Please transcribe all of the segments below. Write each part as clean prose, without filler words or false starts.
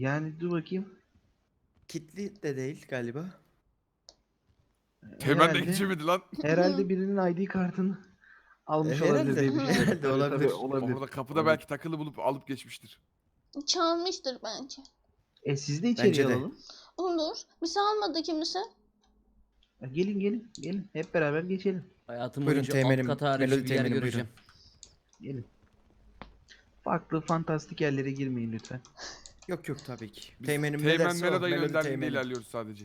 Yani dur bakayım. Kitli de değil galiba. Teğmen de Herhalde, geçemedi lan. herhalde birinin ID kartını almış olabilir diye Herhalde. düşünüyorum. Herhalde Tabii, olabilir. tabii, olabilir. Orada kapıda Olabilir. belki takılı bulup alıp geçmiştir. Çalmıştır bence. Siz de içeriye Bence de. alalım. Olur. Bizi almadı kimse. Gelin gelin gelin. Hep beraber geçelim. Hayatım Buyurun boyunca teğmenim, alt kat harici Melodi bir yer teğmenim, göreceğim. Gelin. Farklı fantastik yerlere girmeyin lütfen. Yok yok tabii ki. Biz Teğmenim ne Teğmen derse o. Meloda'yı Melodi önderliğinde teğmenim. ilerliyoruz sadece.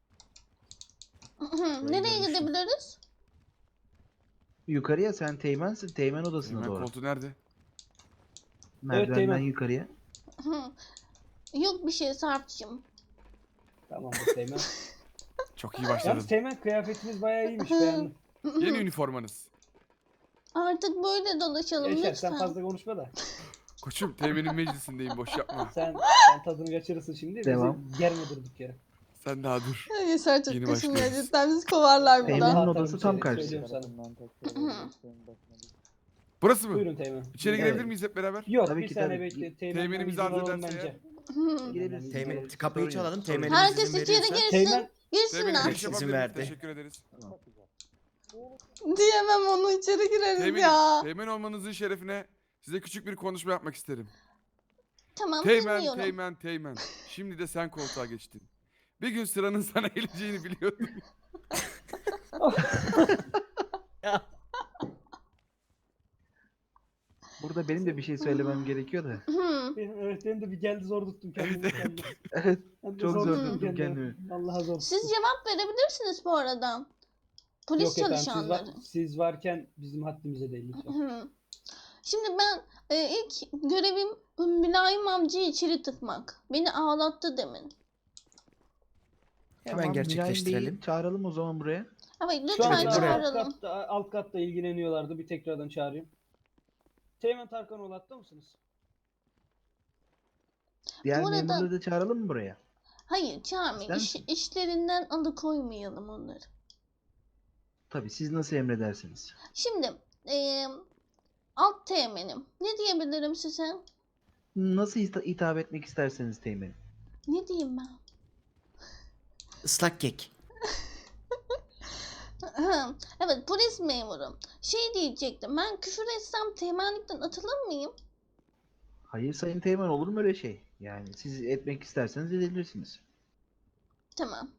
Nereye görmüştüm. gidebiliriz? Yukarıya sen teğmensin. Teğmen odasına Teğmen doğru. koltuğu nerede? Merdivenden Teğmen. yukarıya. Yok bir şey Sarp'cığım. Tamam bu Teğmen. Çok iyi başladın. Yalnız Teğmen kıyafetiniz bayağı iyiymiş beğendim. Yeni üniformanız. Artık böyle dolaşalım Yaşar lütfen. sen fazla konuşma da. Koçum Teğmen'in meclisindeyim, boş yapma. Sen tadını kaçırırsın şimdi. Devam. Bizi germe durduk yere. Sen daha dur. Yaşar çok Yeni kaşınıyor başlıyoruz. cidden bizi kovarlar Teğmen'in buradan. Rahat odası tabii tam bir şey karşısı. söylüyorum sana. Burası mı? Buyurun Teğmen. İçeri Evet. girebilir miyiz hep beraber? Yok Tabii bir ki, saniye tabii. bekle. Teğmenimiz izin arzu alalım ederse bence. Girebilirsin. Teğmen, Sorun kapıyı yok, çalalım. sorun Teğmenimiz yok. Herkes izin içeri verirse. girsin. Teğmen Girsinler. Teğmen'in İzin izin verdi. Teşekkür ederiz. Diyemem onu içeri gireriz Teğmen'im, ya. Teğmen olmanızın şerefine size küçük bir konuşma yapmak isterim. Tamam Teğmen, dinliyorum. Teğmen, Teğmen. Şimdi de sen koltuğa geçtin. Bir gün sıranın sana geleceğini biliyordum. Burada benim de bir şey söylemem gerekiyor da. evet benim de bir geldi zor tuttum kendimi. Evet. Ben de Çok zor tuttum kendimi. kendimi. Vallahi zor Siz tuttum. cevap verebilirsiniz bu arada. Polis Yok efendim çalışanları. siz varken bizim haddimize değil lütfen. Şimdi ben ilk görevim Mülayim amcayı içeri tıkmak. Beni ağlattı demin. Hemen gerçekleştirelim. Bey'i çağıralım o zaman buraya. Evet Şu lütfen anda buraya. çağıralım. alt katta ilgileniyorlardı. Bir tekrardan çağırayım. Teğmen Tarkanoğlu hatta mısınız? Diğer Bu arada- memurları da çağıralım mı buraya? Hayır çağırmayın. İster misin? İşlerinden alıkoymayalım onları. Tabii siz nasıl emredersiniz. Şimdi alt teğmenim. Ne diyebilirim size? Nasıl hitap etmek isterseniz teğmenim. Ne diyeyim ben? Islak kek. Evet polis memurum. Şey diyecektim. Ben küfür etsem teğmenlikten atılır mıyım? Hayır sayın teğmen, olur mu öyle şey? Yani siz etmek isterseniz edebilirsiniz. Tamam.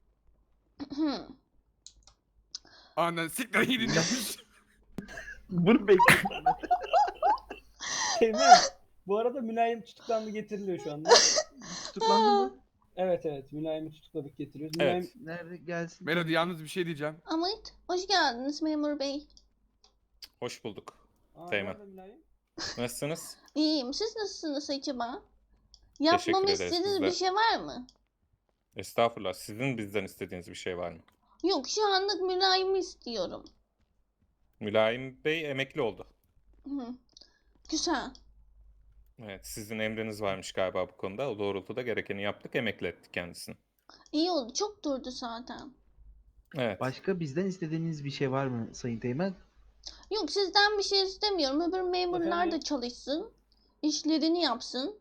Annen siktir gidin demiş. Bunu bekliyorum. Teğmen. Bu arada mülayim tutuklandı getiriliyor şu anda. Tutuklandı mı? Evet mülayimi tutukladık getiriyoruz. Evet. Nerede gelsin? Melody yalnız bir şey diyeceğim. Ahmet hoş geldiniz memur bey. Hoş bulduk. Aa, Teğmen. nerede mülayim? Nasılsınız? İyiyim. Siz nasılsınız acaba? Yapmamı ederiz istediğiniz biz de. bir şey var mı? Estağfurullah. Sizin bizden istediğiniz bir şey var mı? Yok şu anlık mülayimi istiyorum. Mülayim Bey emekli oldu. Hı. Güzel. Evet, sizin emriniz varmış galiba bu konuda. O doğrultuda gerekeni yaptık, emekli ettik kendisini. İyi oldu. Çok durdu zaten. Evet. Başka bizden istediğiniz bir şey var mı sayın teğmen? Yok sizden bir şey istemiyorum. Öbür memurlar da Efendim? çalışsın. İşlerini yapsın.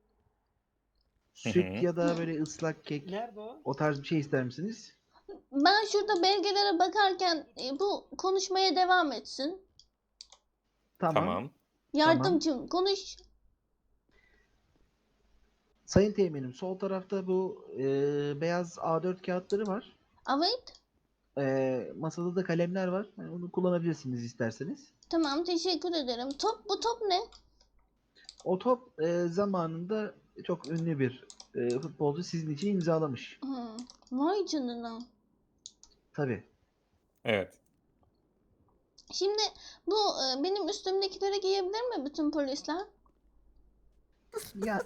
Süt ya da böyle ıslak kek, Nerede o? o tarz bir şey ister misiniz? Ben şurada belgelere bakarken bu konuşmaya devam etsin. Tamam. Yardımcım konuş. Sayın teğmenim, sol tarafta bu beyaz A4 kağıtları var. Evet. Masada da kalemler var. Yani onu kullanabilirsiniz isterseniz. Tamam teşekkür ederim. Bu top ne? O top zamanında çok ünlü bir futbolcu sizin için imzalamış. Vay canına. Tabii. Evet. Şimdi bu benim üstümdekileri giyebilir mi bütün polisler? Ya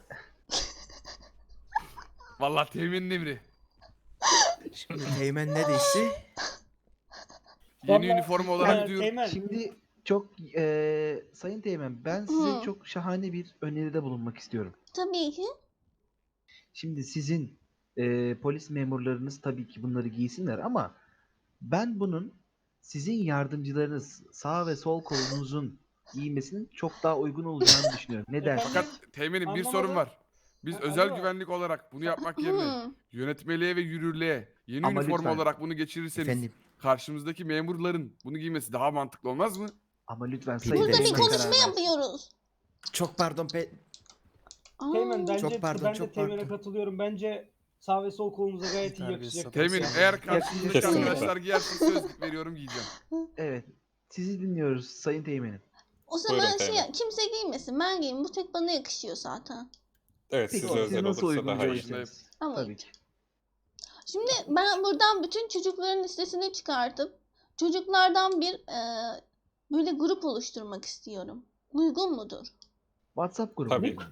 Vallahi Teğmen'in emri. Şimdi Teğmen ne değişti? Yeni Vallahi- üniforma olarak diyorum. Teğmen. şimdi çok sayın teğmen, ben size çok şahane bir öneride bulunmak istiyorum. Tabii ki. Şimdi sizin polis memurlarınız tabii ki bunları giysinler ama ben bunun sizin yardımcılarınız sağ ve sol kolunuzun giymesinin çok daha uygun olacağını düşünüyorum. Ne Efendim? dersiniz? Fakat Teğmen'in bir Anlamadım. sorun var. Biz Ha, özel alo. güvenlik olarak bunu yapmak yerine Hı. yönetmeliğe ve yürürlüğe yeni Ama üniforma lütfen. olarak bunu geçirirseniz Efendim. karşımızdaki memurların bunu giymesi daha mantıklı olmaz mı? Ama lütfen Peki, Sayın Burada bir Teğmen Teğmen konuşma karar versin. yapıyoruz. Çok pardon Aa, Teğmen bence Çok pardon, ben de çok Teğmen'e pardon. katılıyorum. Bence sağ ve sol kolumuza gayet iyi yakışacak. Temin Yani. eğer karşımızdaki Kesinlikle. arkadaşlar giyerse söz veriyorum giyeceğim. Evet. Sizi dinliyoruz Sayın Teğmen'im. o zaman Buyurun Teğmen. kimse giymesin. Ben giyeyim. Bu tek bana yakışıyor zaten. Evet Peki size siz özel nasıl olursa uygun daha iyi. görürseniz. Ama Tabii ki. Şimdi ben buradan bütün çocukların listesini çıkartıp çocuklardan bir böyle grup oluşturmak istiyorum. Uygun mudur? WhatsApp grubu. Tabii değil ki. mi?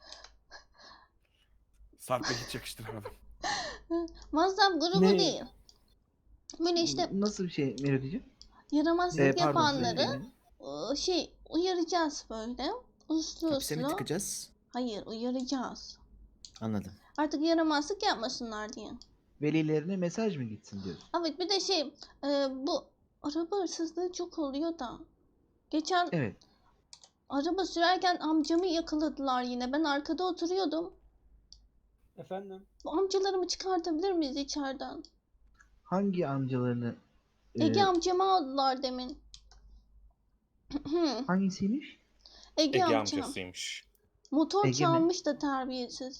Sarp'a hiç yakıştıramadım. WhatsApp grubu Ne? değil. Böyle işte Nasıl bir şey Melodi'ciğim? yaramazlık Pardon Sayın yapanları Teğmen'im. uyaracağız böyle. Uslu hapse mi uslu. tıkacağız? Hayır, uyaracağız. Anladım. Artık yaramazlık yapmasınlar diye. Velilerine mesaj mı gitsin diyorsun? Evet, bir de bu araba hırsızlığı çok oluyor da. Geçen Evet. araba sürerken amcamı yakaladılar yine. Ben arkada oturuyordum. Efendim? Bu amcalarımı çıkartabilir miyiz içeriden? Hangi amcalarını Ege amcamı aldılar demin. hangisiymiş? Ege Ege amcam. amcasıymış. Motor Ege mi? çalmış da terbiyesiz.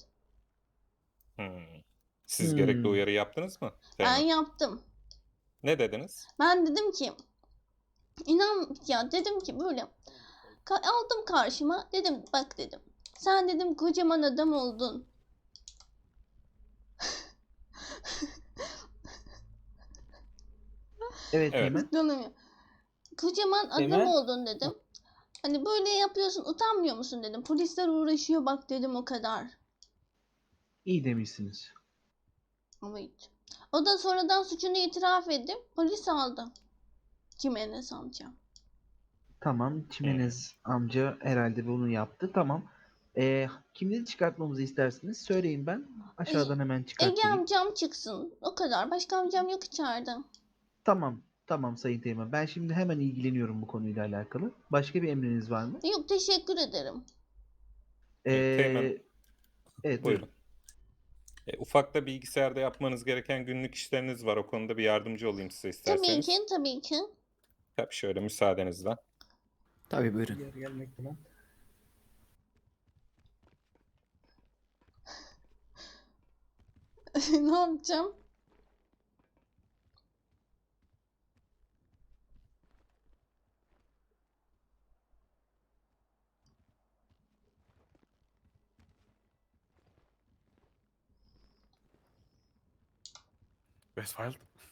Siz gerekli Hmm. uyarı yaptınız mı? Ben Teğmen? yaptım. Ne dediniz? Ben dedim ki dedim ki böyle aldım karşıma, dedim bak dedim. Sen dedim kocaman adam oldun. Evet, Evet. Teğmen. Tanımıyor. Kocaman adam Teğmen? oldun dedim. Hani böyle yapıyorsun, utanmıyor musun dedim. Polisler uğraşıyor bak dedim, o kadar. İyi demişsiniz. Evet. O da sonradan suçunu itiraf edip polis aldı. Jimenez amca. Tamam. Çimenez amca herhalde bunu yaptı. Tamam. Kimleri çıkartmamızı istersiniz? Söyleyin ben. Aşağıdan hemen Ege çıkartayım. amcam çıksın. O kadar. Başka amcam yok içeride. Tamam. Tamam Sayın Teğmen. Ben şimdi hemen ilgileniyorum bu konuyla alakalı. Başka bir emriniz var mı? Yok, teşekkür ederim. Teğmen, Evet, buyurun. Ufak da bilgisayarda yapmanız gereken günlük işleriniz var. O konuda bir yardımcı olayım size Tabii isterseniz. ki, tabii ki. Tabii şöyle müsaadenizle. Tabii buyurun. Gelmekte lan. Ne yapacağım? Westfield.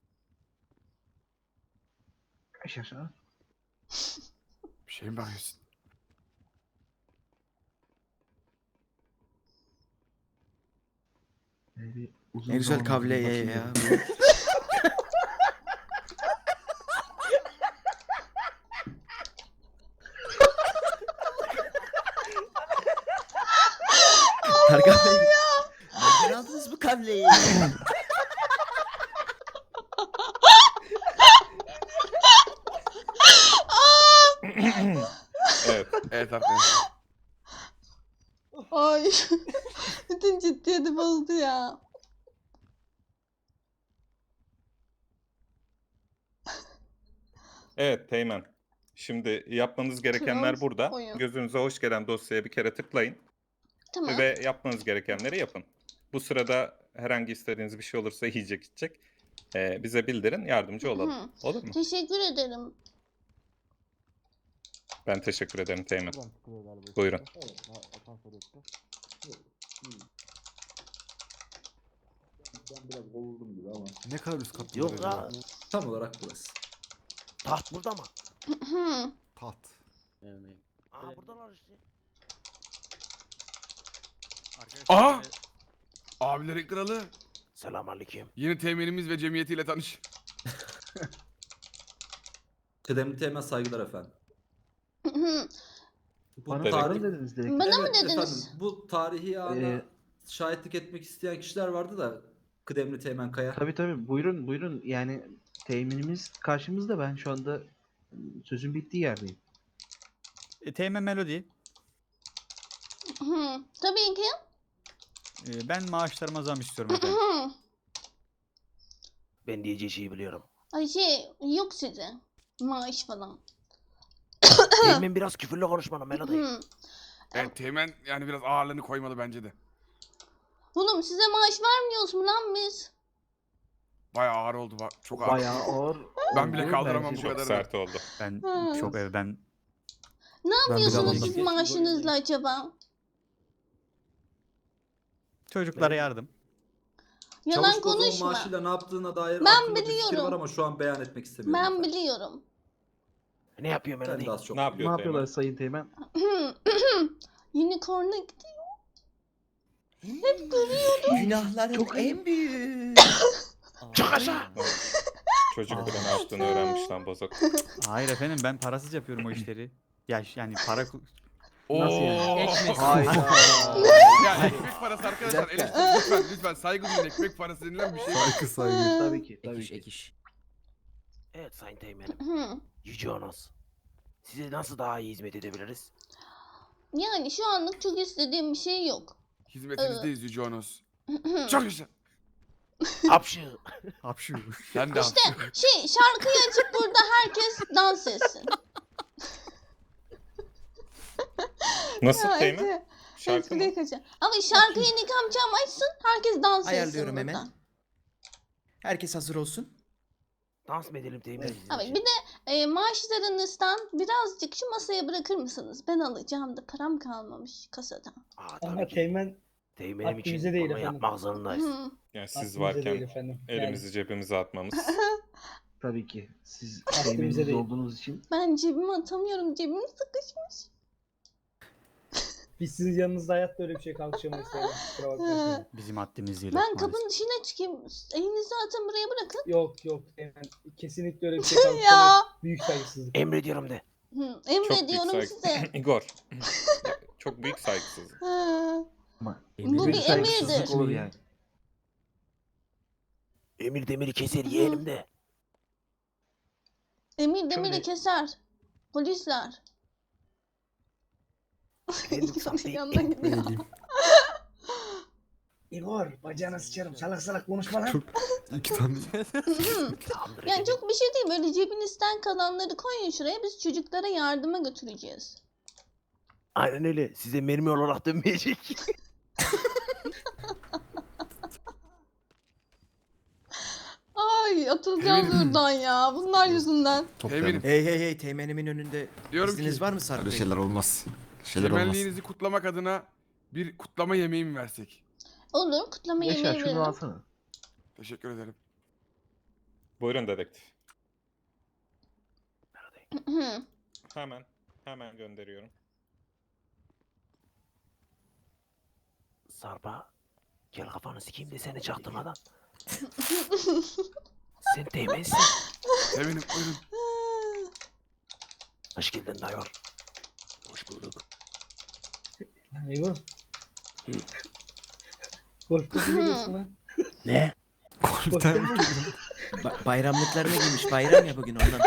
Aşağı. Bir şey mi bakıyorsun? Bir uzun Ne güzel zaman kavle oldu, ya. bakayım. Tarkan Bey. Nereden aldınız bu kavleyi? Evet. Evet arkadaşlar. Ay. Bütün ciddiyeti bozdu ya. Evet Teğmen. Şimdi yapmanız gerekenler Trans burada. oyun. Gözünüze hoş gelen dosyaya bir kere tıklayın. Tamam. Ve yapmanız gerekenleri yapın. Bu sırada herhangi istediğiniz bir şey olursa yiyecek içecek. Bize bildirin, yardımcı olalım. Hı. Olur mu? Teşekkür ederim. Ben teşekkür ederim Teğmen. Buyurun. Ne kadar üst katlı Yok ya. Tam olarak burası. Taht burada mı? Tat. Aa buradalar işte. Aha! Abilerin kralı. Selamünaleyküm. Yeni teminimiz ve cemiyetiyle tanış. Kıdemli Teğmen saygılar efendim. Bu Bana Dedektif. pardon dediniz dedektif. Bana mı Evet dediniz? efendim, bu tarihi ana Ee, şahitlik etmek isteyen kişiler vardı da Kıdemli Teğmen Kaya. Tabii buyurun buyurun. Yani teminimiz karşımızda. Ben şu anda sözün bittiği yerdeyim. Teğmen Melody. Tabii ki. Ben maaşlarıma zam istiyorum efendim. Ben diyeceği şeyi biliyorum. Ay yok size. Maaş falan. Teğmen biraz küfürlü konuşmalı Melody. Evet Teğmen yani biraz ağırlığını koymalı bence de. Oğlum size maaş vermiyoruz mu lan biz? Bayağı ağır oldu bak. Çok ağır. Bayağı ağır. Ben bile oldu kaldıramam bence bu de. Çok kadar. sert oldu. Ben Ha. çok ben Ne yapıyorsunuz aldım. siz maaşınızla acaba? çocuklara yardım. Yalan Çavuş Bozok'un konuşma. maaşıyla ne yaptığına dair Ben aklımda bir fikir biliyorum. var ama şu an beyan etmek istemiyorum. Ben efendim. biliyorum. Ne yapıyor Ben Melody? de az çok Ne biliyorum. yapıyor Ne yapıyorlar Teğmen? Sayın Teğmen? Unicorn'a gidiyor. Günahların en büyük. Çık aşağı. Çocuk bile ne yaptığını öğrenmiş lan bozok. Hayır efendim ben parasız yapıyorum o işleri. Ya yani para Nasıl yani? Ekmek. Hayda. Ya ekmek parası arkadaşlar. Lütfen lütfen saygı duyun, ekmek parası denilen bir şey. Tabii ki. Tabii ki. Evet Sayın Teğmenim. Hı. Yüce Onos. Size nasıl daha iyi hizmet edebiliriz? Yani şu anlık çok istediğim bir şey yok. Hizmetinizdeyiz Yüce Onos. Çok güzel. Hapşı. Hapşu. Sen de İşte şarkıyı açıp burada herkes dans etsin. Nasıl Ya, Teğmen? Ece, Şarkı mı? espriye kaçar. Ama şarkıyı Nikamcam açsın, herkes dans etsin Ayarlıyorum burada. hemen. Herkes hazır olsun. Dans mı edelim Teğmenim? sizin Abi için? bir de maaşlarınızdan birazcık şu masaya bırakır mısınız? Ben alacağım da param kalmamış kasada. Aa, Ama tabii ki. Teğmen Teğmenim için haddimize değil bunu efendim. yapmak zorundayız. Hı. Yani siz haddimize varken değil efendim. elimizi cebimize atmamız. Tabii ki. Siz Haddimize teğmenimiz değil. olduğunuz için. Ben cebime atamıyorum, cebim sıkışmış. Biz sizin yanınızda hayatta öyle bir şey kalkışamayız. Teğmen. Kusura bakmayın. Bizim haddimiz değil. Ben maalesef. kapının dışına çıkayım. Elinizi atın buraya bırakın. Yok Teğmen. Kesinlikle öyle bir şey kalkışamayız. Ya. Büyük saygısızlık. Emrediyorum de. Hı, Çok büyük emrediyorum saygı. size. Igor. Çok büyük saygısızlık. Hı. Ama Bu büyük bir saygısızlık emirdir. olur yani. Emir demiri keser yeğenim de. Emir demiri Şöyle- keser. Polisler. Efendim Safi. Yanına gidiyor. Igor bacağına sıçarım. Salak salak konuşma lan. Tamamdır Yani efendim. çok bir şey değil. Böyle cebinizden kalanları koyun şuraya. Biz çocuklara yardıma götüreceğiz. Aynen öyle. Size mermi olarak dönmeyecek. Ay atılacağız buradan ya. Bunlar yüzünden. Teğmenim. Hey teğmenimin önünde Diyorum izniniz ki var mı Sarp Bey? olmaz. temenniğinizi kutlamak adına bir kutlama yemeği mi versek? Olur. Kutlama Yaşar yemeği şunu verin. alsana. Teşekkür ederim. Buyurun dedektif. Hı. Hemen gönderiyorum. Sarpa. Gel kafanı sikeyim de seni çaktırmadan. Sen Teğmensin. Teğmenim buyurun. Hoş geldin Dayor. Hoş bulduk. Igor. Korktun mu geliyorsun lan? Ne? Korktun mu? Bayramlıklarını giymiş. Bayram ya bugün ondan.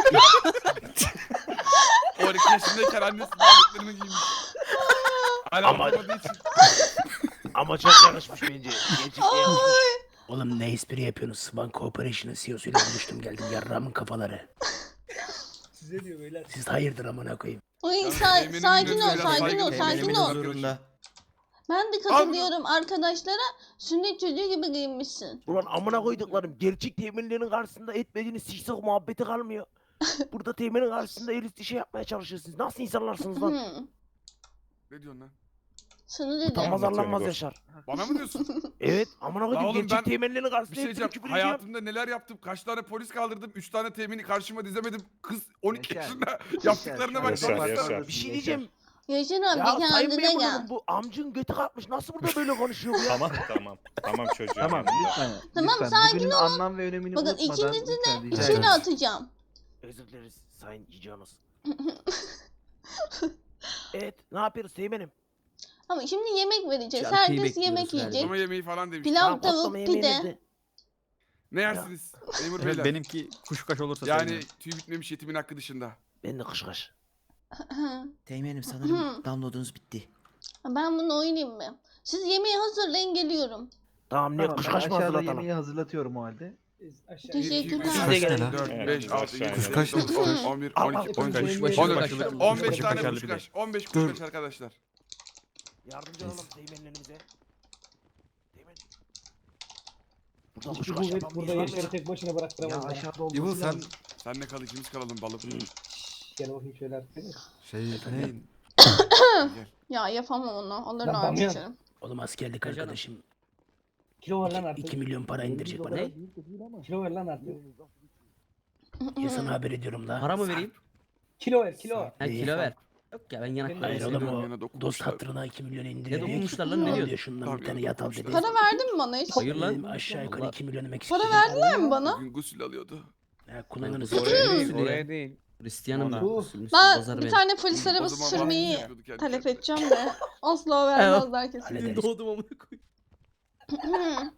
12 yaşındayken annesi bağlıklarını giymiş. Hala Ama- anlamadığı için. Ama çok yakışmış bence. Gerçekten yakışmış. Oğlum ne espri yapıyorsunuz? Swan Corporation'ın CEO'suyla buluştum geldim. Yarramın kafaları. Size diyor beyler. Siz hayırdır amına koyayım. Ay Ya, sakin teğmenim ol, biraz sakin saygı ol, duyun. sakin Teğmenim ol. biraz- Huzurunda. Ben de katılıyorum arkadaşlara. Sünnet çocuğu gibi giyinmişsin. Ulan amına koyduklarım. Gerçek teğmenlerin karşısında etmediğiniz siksok muhabbeti kalmıyor. Burada teğmenin karşısında el üstü şey yapmaya çalışıyorsunuz. Nasıl insanlarsınız lan? Hı. Ne diyorsun lan? Sana dedim. Utanmaz Anlatıyorum arlanmaz Igor. Yaşar. Bana mı diyorsun? Evet amına La koydum oğlum gerçek ben teğmenlerin Bir karşısında şey hep diyeceğim. küfür edeceğim. Hayatımda neler yaptım? Kaç tane polis kaldırdım? 3 tane temini karşıma dizemedim. Kız 12 Yaşar. yaşında yaptıklarına bak. Yaşar, baksana. Yaşar. Bir şey diyeceğim. Yaşar abi Ya sayın kendine gel. memurum bu amcın götü kalkmış. Nasıl burada böyle konuşuyor bu ya? Tamam çocuğum. Tamam yanında. lütfen. Tamam, lütfen. sakin Bugünün anlam ve önemini Bakın unutmadan ikinizi lütfen rica İçeri ederim. atacağım. Özür dileriz sayın Cicanos. Evet ne yapıyoruz teğmenim? Ama şimdi yemek vereceğiz. Şarkıyı Herkes bekliyoruz yemek galiba. yiyecek. Kutlama yemeği falan demiş. Pilav, Tamam, tavuk, kutlama yemeği pide. nerede? Ne yersiniz? Memur Evet beyler. benimki kuşkaş olursa Yani sevinirim. tüy bitmemiş yetimin hakkı dışında. Ben de kışkaş. Teğmenim sanırım downloadunuz bitti. Ben bunu oynayayım mı? Siz yemeği hazırlayın, geliyorum. Tamam ne Tamam, ben kuşkaş mı aşağıda hazırlatalım? yemeği hazırlatıyorum o halde. Aşağı. Teşekkürler. Siz de gelin. 4, Evet, 5, 6, aşağı 7, inelim. 8, 9, 10, 11, 12, 13, 14, 15 tane kuşkaş. 15 kuşkaş arkadaşlar. Yardımcı olalım Teğmenlerimize. Teğmen. Burada Hiçbir kuşkaş kuvvet yapan burada bir var Yaşar'ı mı? tek başına Ya bıraktıramaz. bana. aşağıda olması İbo sen lazım. Senle kal, ikimiz kalalım balık. Gel bakayım şöyle artık. şey ne? Gel. Ya yapamam onu. Alır Ben abi bamyan. içerim. Oğlum askerlik arkadaşım. Kilo ver lan artık. 2 milyon para indirecek bana. Kilo ver lan artık. Ya sana haber ediyorum da. Para mı vereyim? Kilo ver kilo. Ha kilo ver. Yok ya ben yanak Hayır Neyse, oğlum yana o dokunmuşlar. dost hatırına 2 milyon Ne indirecek. dokunmuşlar lan ne Al diyorsun? diyor şundan Tabii, bir tane ya yat al dedi. Para verdin mi bana hiç? Hayır lan. Dedim aşağı yukarı Allah. 2 milyon demek Para istiyorum. verdiler mi bana? Bugün gusül alıyordu. Ya kulağınız Oraya değil, oraya. oraya değil. Hristiyanım ben. Bu- Müslüm Ben bozar bir beni. tane polis O arabası zaman sürmeyi bahsediyorduk kendi talep kendine. edeceğim de asla vermezler kesin. Hallederiz. Doğdum amına koyayım.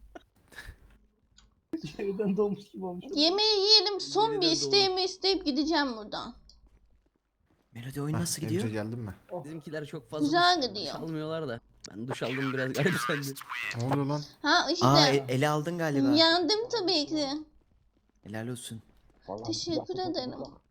Evden doğmuş gibi olmuş. Yemeği yiyelim, son bir Yeniden isteğimi isteyip gideceğim buradan. Melodi oyun nasıl Emce gidiyor? geldin mi? Bizimkiler çok fazla Güzel duş gidiyor. almıyorlar da. Ben duş aldım biraz garipsendi. Ne oluyor lan? Ha işte. Aa ele aldın galiba. Yendim tabii ki. Helal olsun. Teşekkür ederim.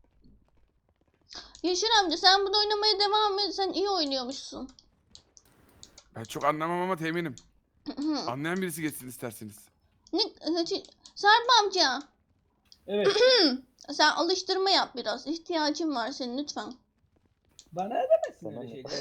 Yaşar amca sen bunu oynamaya devam et. Sen iyi oynuyormuşsun. Ben çok anlamam ama teminim. Anlayan birisi geçsin isterseniz. Sarp amca Evet. sen alıştırma yap biraz. İhtiyacım var senin lütfen. Bana edemezsin öyle şeyler.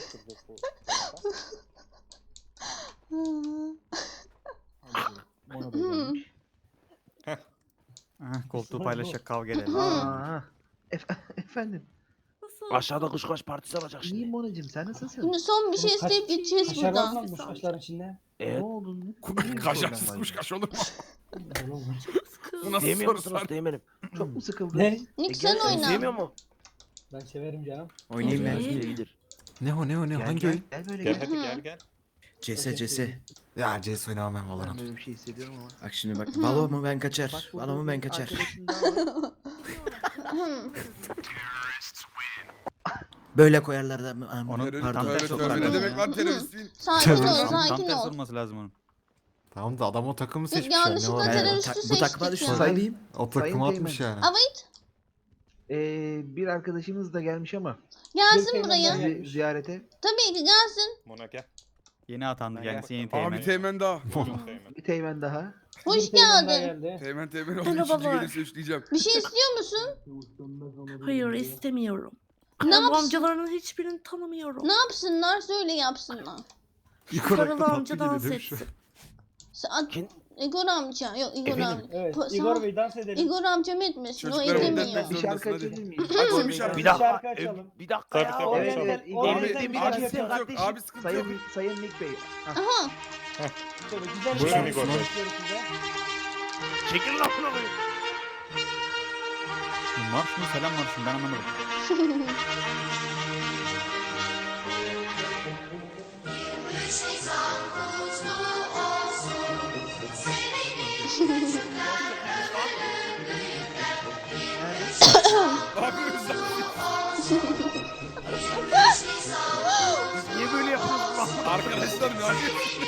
Koltuğu paylaşacak kavga edelim. Aa, efendim. Aşağıda kuşkaş partisi olacak şimdi. İyiyim Monacığım, sen nasılsın? Şimdi son bir şey Kaç- isteyip gideceğiz Kaşar var buradan. mı bu kaşların içinde? Evet. Ne oldu? Kaşarsız kuşkaş olur mu? Bu nasıl Sevmiyor soru musunuz sor? Teğmen'im? Çok mu sıkıldın? Ne? Nick sen Sevmiyor oyna. mu? Ben severim canım. Oynayayım ben. İyidir. Ne o ne o ne o? Gel, Hangi gel, oyun? gel böyle Gel gel. hadi gel gel. CS. Ya CS oynamam ben Ben Valorant. böyle bir şey hissediyorum ama. Bak şimdi bak. Valo mu ben kaçar. Bak burada Valo mu ben bir kaçar. arkadaşın daha var. Böyle koyarlar da. Onu Terör- Pardon. tövbe ters tövbe, sokar. ne demek lan teröristin? Sakin ol, Terörist. Tam sakin tersi ol. olması lazım onun. Tamam da adam o takımı Biz seçmiş yani. Ne yanlışlıkla var? terörist- Bu takıma seçtik düştü. ya. Ne yapayım? O Sayın takımı atmış Teğmen. yani. Evet. Bir arkadaşımız da gelmiş ama Gelsin Bir buraya. teğmen gelmiş. ziyarete. Tabii ki gelsin. Mona gel. Yeni atandı kendisi yeni Abi teğmen. teğmen daha. Buyurun Teğmen. Bir teğmen daha. Hoş Bir teğmen daha geldin. geldi. Teğmen olduğu için gelirse üçleyeceğim. Bir şey istiyor musun? Hayır istemiyorum. Ne Ben bu yapsın? amcaların hiçbirini tanımıyorum. Ne yapsınlar? Söyle yapsınlar. Paralı amca dans etsin. Kim? Igor amca. Yok Igor Efendim? amca. Evet. Po- Igor sana- Bey dans edelim. Igor amcam etmesin. O Çocuklar edemiyor. önden Bir şarkı Hadi. açabilir miyiz? Açın bir şarkı. Bir dakika. şarkı açalım. Bir dakika Tabii, ya. tabii, Oraya açalım. gel. Abi, Oraya Abi, gel. Bir abi dakika sıkıntı yok. kardeşim. Abi sıkıntı yok. Sayın Nick Bey. Ah, Aha. Şöyle güzel bir Buyurun şarkı Igor Bey. istiyoruz size. Çekil lan bunu. Bu marş mı selam marşı mı ben anlamadım. Ne yapıyorsunuz lan? Biz niye böyle yapıyoruz lan? Arkadaşlar ne yapıyorsunuz?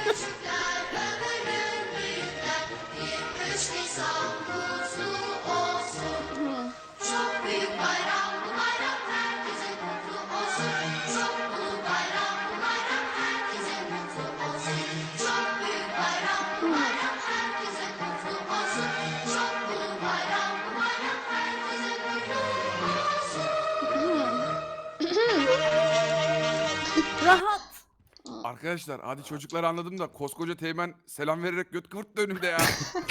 Rahat. Arkadaşlar hadi çocuklar anladım da koskoca teğmen selam vererek göt kıvırttı önümde ya.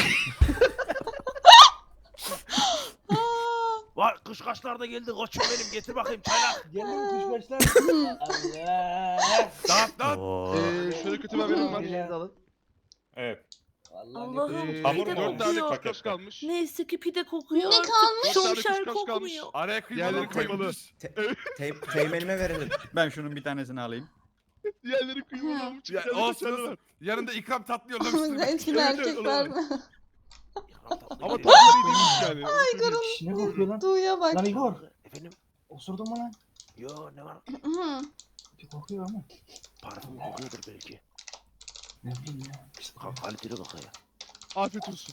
Var kuşkaşlar da geldi koçum benim getir bakayım çaylak. Geldi mi kuşbaşlar? Allah. Dağıt dağıt. Oo. Şöyle kötü bir haberim var. Elinizi alın. Evet. Vallahi Allah'ım ne- Hamur pide mu olmuş kokuyor. paket? kalmış. Neyse ki pide kokuyor Ne artık. kalmış? Şomşer kokmuyor. Araya kıymalı kıymalı. Teğmenime verelim. Ben şunun bir tanesini alayım. Diğerleri kıymalı olmuş. Ya, olsun olsun. Yanında ikram tatlı yollamıştır. Eski erkekler. Ama tatlıları iyi değilmiş yani. Şş, ne kokuyor lan? Tuğya bak. Lan Igor. Efendim? Osurdun mu lan? Yo ne var? Hı. Bir kokuyor ama. Parfüm kokuyordur belki. Ne bileyim ya. Kaliteli kokuyor. Afiyet olsun.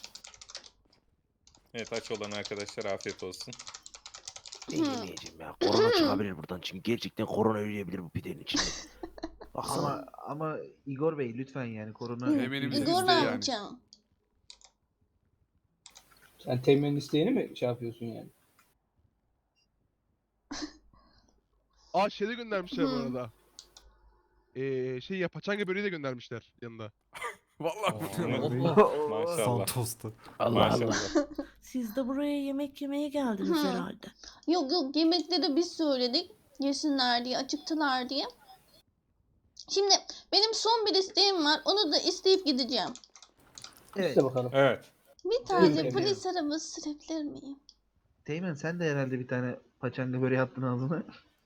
Evet, aç olan arkadaşlar afiyet olsun. Ben yemeyeceğim ya. Korona çıkabilir buradan çünkü gerçekten korona yürüyebilir bu pidenin içinde. Baksana. Ama Igor Bey lütfen yani korona... Teğmenimiz Igor ne bizde yani. yapacağım? Sen Teğmen'in isteğini mi şey yapıyorsun yani? Aa şeyde göndermişler bu Hı. arada. Şey ya paçanga böreği de göndermişler yanında. Vallahi. Maşallah. Allah Allah. Maşallah. Siz de buraya yemek yemeye geldiniz Hı. herhalde. Yok yemekleri biz söyledik. Yesinler diye, acıktılar diye. Şimdi benim son bir isteğim var. Onu da isteyip gideceğim. Evet. İşte bakalım. Evet. Bir tane Evet. polis arabası sürebilir miyim? Teğmen sen de herhalde bir tane paçanga böreği attın ağzına.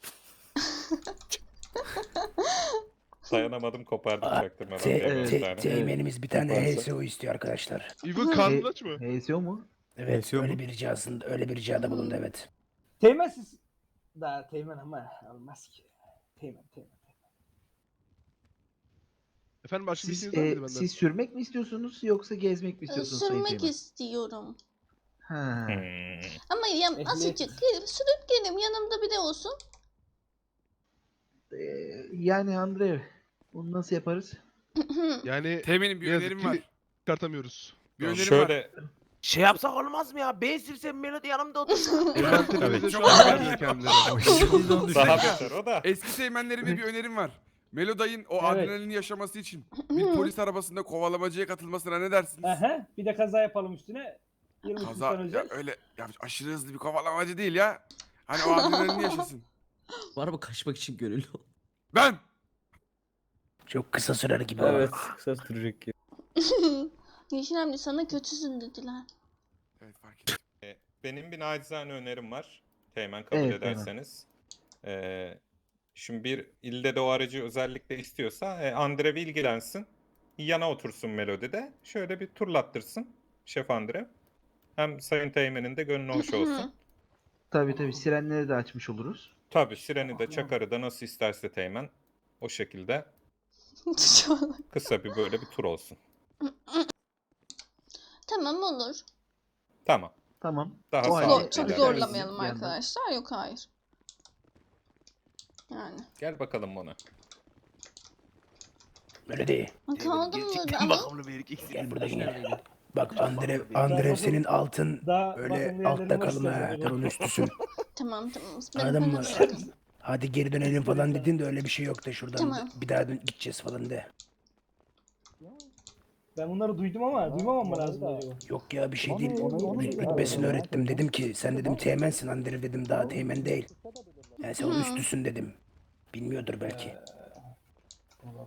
Dayanamadım, kopardım çaktırmadan. Teğmenimiz bir tane Yaparsa. HSO istiyor arkadaşlar. İbo karnın aç mı? HSO mu? Evet HSO mu? öyle bir ricada bulundu evet. Teğmen siz... Daha Teğmen ama olmaz ki. Teğmen. Efendim başka bir Siz, şeyiniz var mıydı benden? siz sürmek mi istiyorsunuz yoksa gezmek mi istiyorsunuz Sayın Sürmek Teğmen? istiyorum. Ha. Ama ya Ehliyet. azıcık sürüp gelin yanımda biri olsun. Yani Andre bunu nasıl yaparız? Yani Teğmenim bir ne yazık önerim ki var. çıkartamıyoruz. Bir önerim var. Şöyle Şey yapsak olmaz mı ya? Ben sürsem Melody yanımda otursun. Envanterimize şu Çok an güzel. vermiyor kendileri. daha beter o da. Eski teğmenlerime bir önerim var. Meloday'ın o Evet. adrenalini yaşaması için bir polis arabasında kovalamacaya katılmasına ne dersiniz? Aha, bir de kaza yapalım üstüne. 20 Kaza kuruş ya öyle ya aşırı hızlı bir kovalamacı değil ya. Hani o adrenalini yaşasın. Bu araba kaçmak için gönüllü ol. Ben Çok kısa sürer gibi. Evet, kısa sürecek ki. Yeşil amca sana kötüsün dediler. Evet fark ettim. Benim bir nacizane önerim var. Teğmen kabul Evet, Teğmen. ederseniz. Şimdi bir ilde de o aracı özellikle istiyorsa Andre ilgilensin. Yana otursun Melody'de. Şöyle bir turlattırsın Şef Andre. Hem Sayın Teğmen'in de gönlü hoş olsun. Tabii sirenleri de açmış oluruz. Tabii sireni de çakarı da nasıl isterse Teğmen. O şekilde kısa bir böyle bir tur olsun. Tamam olur. Tamam. Tamam. Daha O sağ halde ol. Çok ilerleyelim. zorlamayalım Bir yandan. arkadaşlar. Yok hayır. Yani. Gel bakalım bana. Melody. Kaldım mı Gerçekten ama? bakımlı bir erkeksin. Gel burada gel. Bak Andre senin altın Daha bakın öyle yerlerim altta var kalma ha. size. Kırın üstüsün. Tamam. Anladın mı? Ben Hadi geri dönelim falan dedin de öyle bir şey yok da şuradan Tamam. bir daha gideceğiz falan de. Ben bunları duydum ama duymamam mı lazım acaba? Yok ya bir şey değil. Rütbesini öğrettim. Dedim ki sen dedim teğmensin Andre dedim daha teğmen değil. Yani sen onun üstüsün dedim. Bilmiyordur belki.